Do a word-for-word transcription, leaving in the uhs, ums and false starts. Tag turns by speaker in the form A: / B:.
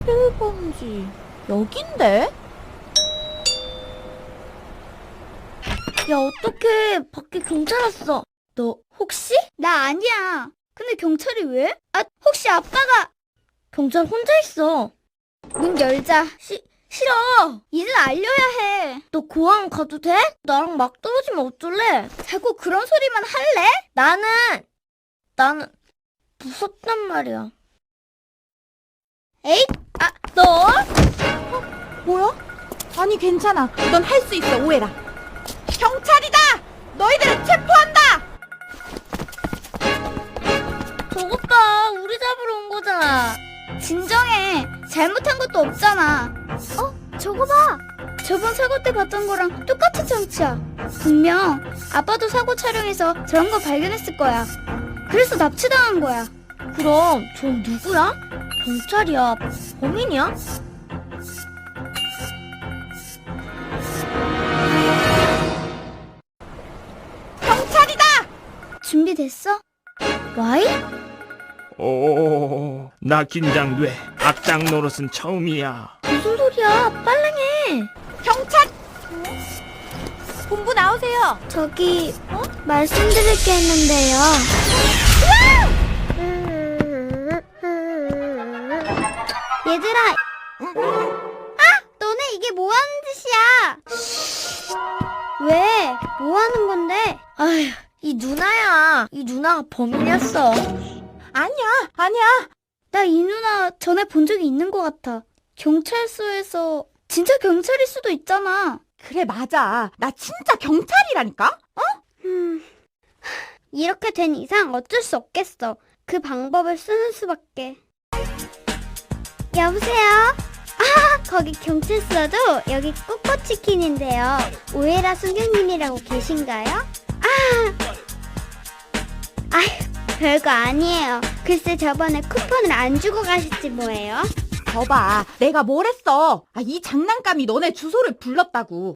A: 필범지 여긴데?
B: 야, 어떡해. 밖에 경찰 왔어. 너 혹시? 나 아니야. 근데 경찰이 왜? 아, 혹시 아빠가... 경찰 혼자 있어. 문 열자. 시, 싫어. 이제 알려야 해. 너 고항 가도 돼? 나랑 막 떨어지면 어쩔래? 자꾸 그런 소리만 할래? 나는... 나는... 무섭단 말이야. 에잇! 아, 너?
A: 어? 뭐야? 아니 괜찮아. 넌 할 수 있어, 오해라. 경찰이다! 너희들을 체포한다!
B: 저것 봐. 우리 잡으러 온 거잖아. 진정해. 잘못한 것도 없잖아. 어? 저거 봐. 저번 사고 때 봤던 거랑 똑같은 장치야. 분명 아빠도 사고 촬영해서 저런 거 발견했을 거야. 그래서 납치당한 거야. 그럼 전 누구야? 경찰이야? 범인이야?
A: 경찰이다!
B: 준비됐어? 와이?
C: 오, 나 긴장돼. 악당 노릇은 처음이야.
B: 무슨 소리야? 빨랑해.
A: 경찰! 본부 나오세요.
B: 저기 어? 말씀드릴 게 있는데요. 얘들아. 아! 너네 이게 뭐 하는 짓이야? 왜? 뭐 하는 건데? 아휴, 이 누나야. 이 누나가 범인이었어.
A: 아니야, 아니야.
B: 나 이 누나 전에 본 적이 있는 것 같아. 경찰서에서 진짜 경찰일 수도 있잖아.
A: 그래, 맞아. 나 진짜 경찰이라니까?
B: 음, 이렇게 된 이상 어쩔 수 없겠어. 그 방법을 쓰는 수밖에. 여보세요? 아, 거기 경찰서도 여기 꼬꼬치킨인데요. 오해라 순경님이라고 계신가요? 아, 아휴, 별거 아니에요. 글쎄 저번에 쿠폰을 안 주고 가셨지 뭐예요?
A: 거봐, 내가 뭘 했어. 아, 이 장난감이 너네 주소를 불렀다고.